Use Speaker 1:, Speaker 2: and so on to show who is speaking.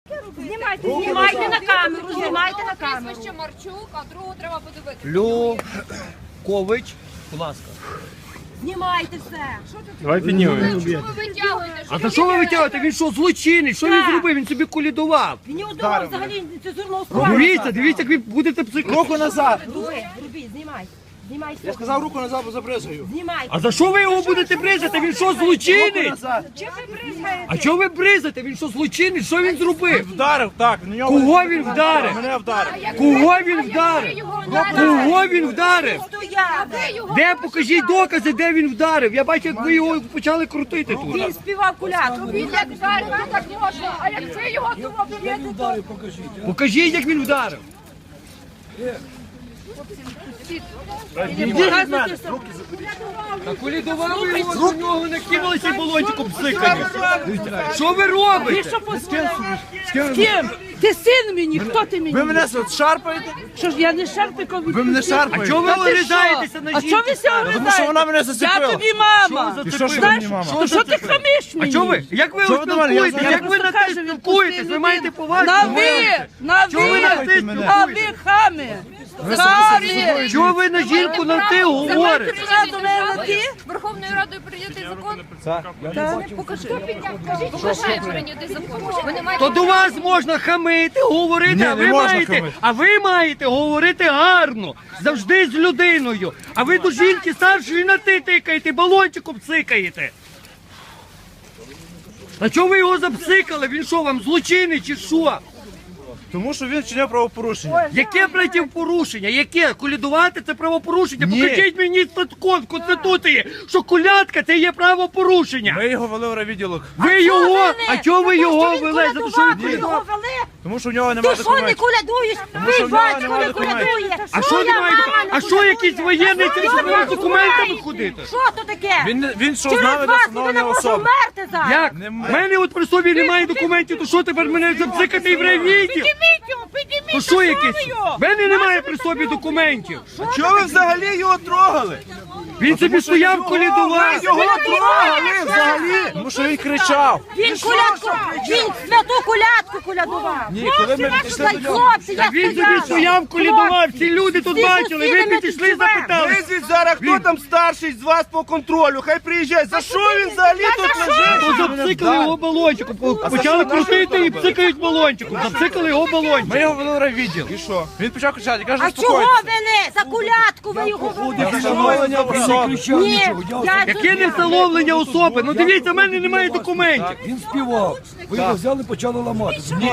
Speaker 1: Знімайте на камеру, знімайте на камеру.
Speaker 2: Прізвище Марчук, а другого треба подивитися.
Speaker 3: Люкович, будь ласка.
Speaker 1: Знімайте все.
Speaker 4: Давай піднімемо.
Speaker 2: Чому ви витягуєте?
Speaker 3: А за що ви витягуєте? Він що, злочинець? Що він зробив? Він собі колядував.
Speaker 1: Він не удавав взагалі цензурного слова.
Speaker 3: Дивіться, як ви будете психувати.
Speaker 4: Руку назад.
Speaker 1: Робіть, знімай. Знімай
Speaker 4: Я сказав, руку назад, бо забризгаю.
Speaker 1: Знімай.
Speaker 3: А за що ви його будете бризати? Він що, злочинець?
Speaker 4: Назад.
Speaker 1: Чим ви бризгаєте?
Speaker 3: А чого ви бризаєте? Він що, злочинець? Що він зробив?
Speaker 4: Вдарив, так. на нього-
Speaker 3: Кого він вдарив?
Speaker 4: Мене вдарив.
Speaker 3: Кого він вдарив? Кого він вдарив?
Speaker 1: Стояв.
Speaker 3: Де покажіть докази, де він вдарив? Я бачу, як ви його почали крутити тут.
Speaker 1: Він співав кулятку.
Speaker 2: Він як вдарив, то так можна, а як ви його того б'єте, то...
Speaker 3: Покажіть, як він вдарив. Колядував ви його, до нього накинулися балончиком псикані. Що ви робите?
Speaker 5: З ким? Ти син мені, хто ти мені?
Speaker 4: Ви мене шарпаєте?
Speaker 5: Що ж я не шарпиком від...
Speaker 4: Ви мене
Speaker 3: А
Speaker 4: шарпаєте?
Speaker 3: чого ви
Speaker 5: Та ти
Speaker 3: огридаєтеся на
Speaker 5: А
Speaker 3: жінку?
Speaker 5: чого ви ся огридаєте?
Speaker 4: Тому що вона мене зацепила.
Speaker 5: Я тобі мама.
Speaker 3: Що ви
Speaker 4: І що ж ви
Speaker 5: Знаєш,
Speaker 4: мені, мама?
Speaker 5: то що ти хамиш
Speaker 3: А
Speaker 5: мені?
Speaker 3: чого ви? Як ви
Speaker 4: Що ви до мене? Я
Speaker 3: спілкуєтесь?
Speaker 4: знаю.
Speaker 3: Як ви на те спілкуєтесь? Ви маєте повагу?
Speaker 5: На ви! На
Speaker 3: Чого ви на
Speaker 5: ви!
Speaker 3: ти
Speaker 4: мене?
Speaker 5: А ви хами! Хами!
Speaker 3: Чого ви на жінку на ти говорите?
Speaker 5: Ти до мене на ти?
Speaker 2: Верховною Радою прийнятий закон? Покажи. Покажи прийнятий закон. Ви не маєте
Speaker 3: То до вас можна хамити, говорити,
Speaker 4: Ні,
Speaker 3: а
Speaker 4: не
Speaker 3: ви
Speaker 4: можна
Speaker 3: маєте,
Speaker 4: хамити.
Speaker 3: а ви маєте говорити гарно, завжди з людиною. А ви до жінки старшої на ти тикаєте, балончиком цикаєте. А чого ви його запсикали? Він що, вам злочинець чи що?
Speaker 4: Тому що він вчиняв правопорушення.
Speaker 3: Яке порушення? Яке? Колядувати це правопорушення?
Speaker 4: Ні.
Speaker 3: Покажіть мені статком в Конституції, що колядка це є правопорушення.
Speaker 4: Ми його вели в райвідділок.
Speaker 3: Ви його, а чого ви його вели? За те, що ви
Speaker 1: Ви його
Speaker 3: колядували?
Speaker 1: вели?
Speaker 4: Тому що в нього
Speaker 1: Ти
Speaker 4: немає
Speaker 1: що не
Speaker 4: документів.
Speaker 1: колядуєш?
Speaker 4: що
Speaker 1: Твій
Speaker 4: в нього
Speaker 1: батько
Speaker 4: немає
Speaker 1: не
Speaker 4: документів.
Speaker 1: колядує.
Speaker 3: А що
Speaker 1: Твоя
Speaker 3: немає?
Speaker 1: мама не
Speaker 3: А що
Speaker 1: колядує.
Speaker 3: якийсь воєнний
Speaker 1: Що
Speaker 3: цим
Speaker 1: ви
Speaker 3: з документами
Speaker 1: розмовляєте?
Speaker 3: ходити?
Speaker 1: Що то таке?
Speaker 4: Він що
Speaker 1: Через
Speaker 4: знав, де
Speaker 1: вас
Speaker 4: встановлення
Speaker 1: людина може
Speaker 4: особи.
Speaker 1: вмерти зараз.
Speaker 3: Як? В мене от при собі немає документів, то що тепер мене запсикати і в райвідділ?
Speaker 5: Підніміть його, підніміть!
Speaker 3: То що якесь? В мене немає при собі документів.
Speaker 4: Чого ви взагалі його трогали?
Speaker 3: Він собі стояв, колядував.
Speaker 4: Його трогали взагалі. Тому що він кричав.
Speaker 1: Він колядку, він святу колядку колядував.
Speaker 4: Ні, коли ми підійшли до нього.
Speaker 1: Хлопці, я
Speaker 3: Він собі
Speaker 1: стояла.
Speaker 3: стояв, колядував. Всі люди тут
Speaker 1: Всі
Speaker 3: бачили. Ви
Speaker 1: сусіди ми
Speaker 3: підійшли,
Speaker 1: тут живемо.
Speaker 3: запитали.
Speaker 6: Визвіть зараз, хто там старший з вас по контролю, хай приїжджає. За що він взагалі тут лежить?
Speaker 3: То запсикали його балончиком. Почали крутити і псикають балончиком. Запсикали його
Speaker 4: Ми
Speaker 3: балончиком.
Speaker 4: його вели в райвідділ. І що? Він почав кричати, я кажу,
Speaker 1: А чого
Speaker 4: заспокойтеся.
Speaker 1: вели? За колядку ви його вели?
Speaker 4: Встановлення особи.
Speaker 1: Ні, я
Speaker 3: Яке не встановлення особи? Ну дивіться, в мене немає документів.
Speaker 7: Він співав. Ви його взяли, почали ламати.